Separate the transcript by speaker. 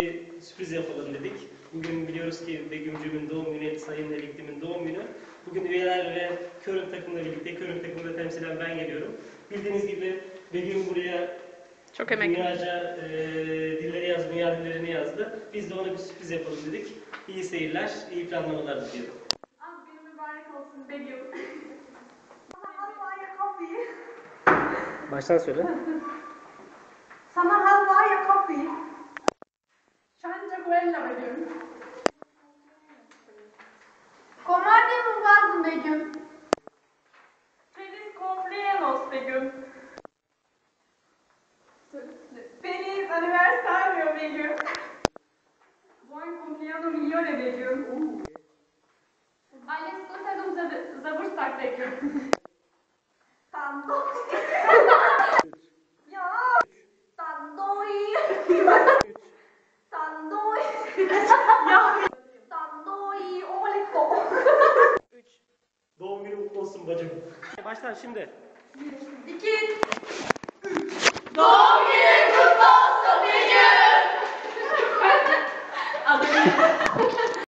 Speaker 1: Sürpriz yapalım dedik. Bugün biliyoruz ki Begüm'cümün doğum günü, Sayın Eliktim'in doğum günü. Bugün üyeler ve Körüm takımla birlikte, Körüm takımında temsilen ben geliyorum. Bildiğiniz gibi Begüm buraya
Speaker 2: çok emek
Speaker 1: dünyaca dilleri yazdı, dünya dillerini yazdı. Biz de ona bir sürpriz yapalım dedik. İyi seyirler, iyi planlamalar diliyorum.
Speaker 3: Az günü mübarek olsun Begüm. Halvaya kapıyı.
Speaker 1: Baştan söyle.
Speaker 3: Sana halvaya kapıyı. Şanca quella Begüm. Comandi un vaso Begüm. Feliz cumpleaños Begüm. Feliz aniversario Begüm. Buon compleanno migliore Begüm. Alles Gute zum Geburtstag Begüm. Tandoi. Ya. Tandoi. Tandoi. Ya. Tandoi. Oliko.
Speaker 1: Doğum günü mutlu olsun bacım. Baştan şimdi.
Speaker 3: 2, 3. Doğum